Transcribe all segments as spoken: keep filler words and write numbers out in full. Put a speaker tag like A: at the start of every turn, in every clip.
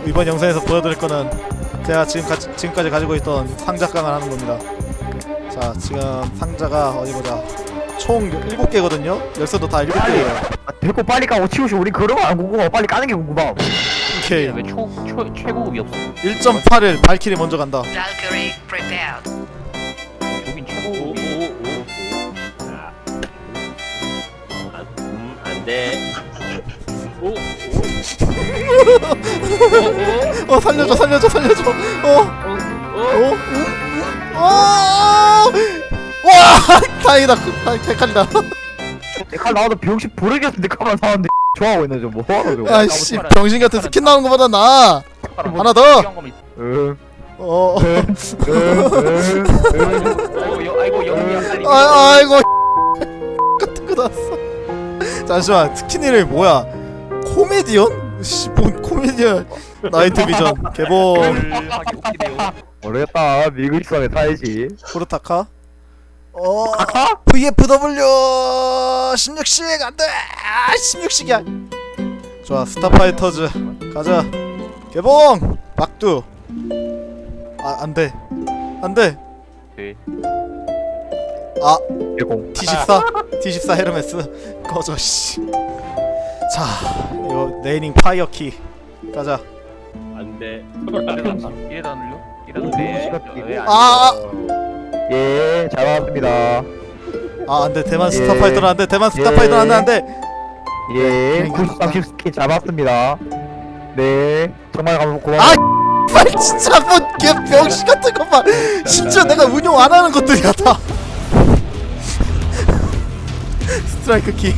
A: 이번 영상에서 보여드릴 거는 제가 지금 가, 지금까지 가지고 있던 상자깡을 하는 겁니다. 자, 지금 상자가 어디 보자. 총 일곱 개거든요. 열쇠도 다 일곱 개예요.
B: 아, 됐고 빨리 까고 치우시. 우리 그런 거 안 궁금하고 빨리 까는 게 궁금함.
A: 오케이.
C: 왜 초, 초, 최고급이 없어?
A: 일 점 팔일 발키리 먼저 간다.
D: Valkyrie prepared.
C: 여긴 최고급이
E: 음, 안돼. 오, 오,
A: 어, 살려줘, 살려줘, 살려줘. 어,
E: 오,
A: 어,
E: 오.
A: 어, 어. 와, 다행이다. 다 백칼이다.
B: 내칼 나와도 비용시 부르겠어. 내 칼만 사왔는데 좋아하고 있네. 저뭐 하는 저거.
A: 아이씨, 병신 같은 스킨 나오는 거보다 나. 하나 더.
B: 응.
A: 어,
B: 응. 응.
C: 아이고 영이 약간
A: 아, 아이고. 같은 거 나왔어. 잠시만, 스킨 이름이 뭐야? 코미디언? 씨, 뭔 코미디언? 나이트 비전 개봉.
C: 하기 웃기네요.
B: 모르겠다. 미국 있어야 타야지.
A: 포르타카. 어, 브이에프더블유 십육식 안돼. 아, 십육식이야. 좋아, 스타파이터즈 가자. 개봉. 막두. 아, 안돼, 안돼.
C: 네.
A: 아,
B: 개공.
A: 티 십사 티 십사 헤르메스 꺼져 씨. 자, 이거 네이밍 파이어키 가자.
E: 안돼.
C: 이래다 눌려? 이래다 눌려?
A: 아,
B: 예, 잘 나왔습니다.
A: 아, 안돼. 대만
B: 예.
A: 스타파이터는 안돼. 대만 스타파이터는 안돼, 안돼.
B: 예, 구십삼십 스킨 잡았습니다. 네, 정말 감 고마워.
A: 아, 빨 진짜 뭐개 병신 같은 것만. 심지어 내가 운용 안 하는 것들이야 다. 스트라이크 키.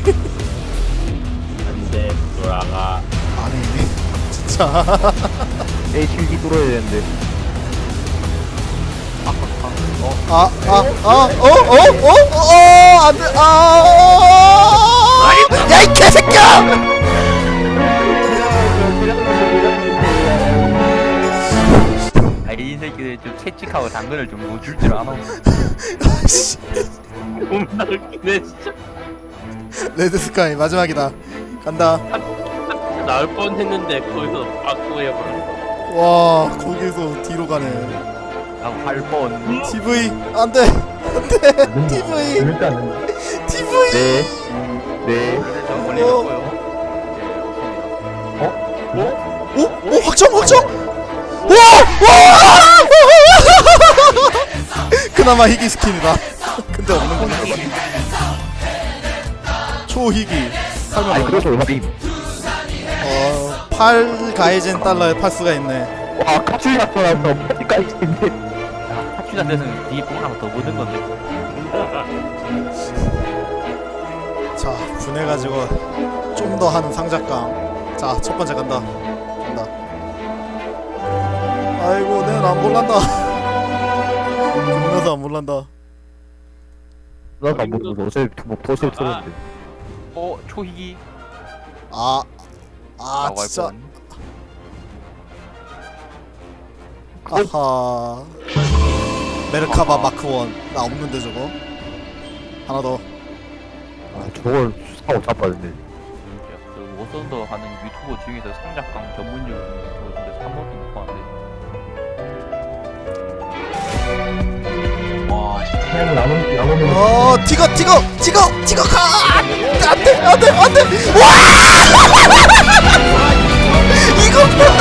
E: 안돼. 돌아가.
A: 아니, 진짜.
B: 에이치디 뚫어야 되는데.
A: 아, 아, 아, 어, 어, 어, 어, 어, 안 돼, 아, 야, 이 개새끼야!
C: 아, 이 새끼들 좀 채찍하고 당근을 좀 못 줄 줄 아나?
A: 씨,
E: 겁나 웃기네 진짜.
A: 레드 스카이 마지막이다. 간다.
E: 나올 뻔했는데 거기서 바꾸고 해버렸어.
A: 와, 거기서 뒤로 가네.
C: 나할 뻔.
A: 티브이, 안 돼, 안 돼, 티브이, 티브이.
B: 네, 네.
C: 저 멀리 갔고요.
A: 오, 오, 확정, 확정. 와, 와. 그나마 희귀 스킨이다. 근데 없는 건데. 초희귀. 설명
B: 아니
A: 뭐냐?
B: 그래서 얼마임?
A: 어, 팔 가이젠 달러에 팔 수가 있네.
B: 와, 카츄리 나타나서 퍼지까지 있는데.
C: 타취자 돼서는 뒤에 뽕 하나 더 묻는 건데.
A: 자, 분해가지고 좀 더 하는 상작강. 자, 첫 번째 간다. 간다. 아이고, 내는 안 몰란다. 겁나서 안 몰란다.
B: 나도 안 보고 도저히 뭐 도저히 틀었는데.
C: 어 초희기.
A: 아, 아,
C: 라고 할
A: 진짜.
C: 뻔.
A: 아하. 메르카바 마크 원. 나 없는데 저거. 하나 더.
B: 아, 저걸 사고 잡았는데.
C: 그 워선더 하는 유튜버 중에서 상작강 전문용 유튜버인데 삼 번도 못 봤는데. 와,
B: 그냥 남은 남은
A: 어, 티거, 티거, 티거, 티거 가. 안돼, 안돼, 안돼. 와! 이거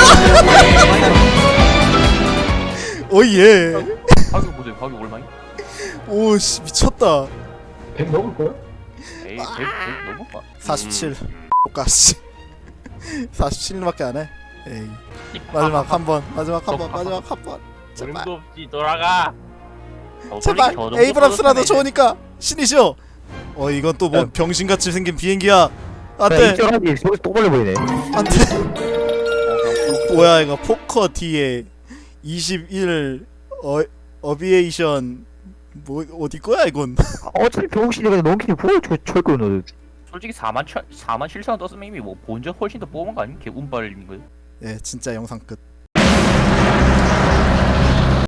A: 오예.
C: 가격 보세요. 가격 얼마이?
A: 오씨, 미쳤다.
B: 백 넘을 거야?
C: 에이, 백, 백 너무 봐.
A: 사십칠. 오까씨. 사십칠밖에 안 해. 에이. 마지막 한 번. 마지막 한 번. 마지막 한 번. 제발.
E: 소름도 없지. 돌아가.
C: 어,
A: 제발.
C: 솔직히 저 정도
A: 에이브람스라도
C: 떨어뜨리면
A: 좋으니까 신이시오. 어, 이건 또 뭐 병신같이 생긴 비행기야. 안돼,
B: 이쪽하기 저기 또 걸려 보이네.
A: 안돼. 뭐야 이거? 포커 뒤에 이십일 어 어비에이션 뭐 어디 거야 이건?
B: 어차피 병신이가 넘기니 보여 철거 너.
C: 솔직히 사만 천, 사만 칠천 원 떴으면 이미 뭐 본전 훨씬 더 뽑은 거 아니면 개 운빨인 거예요.
A: 예, 진짜 영상 끝.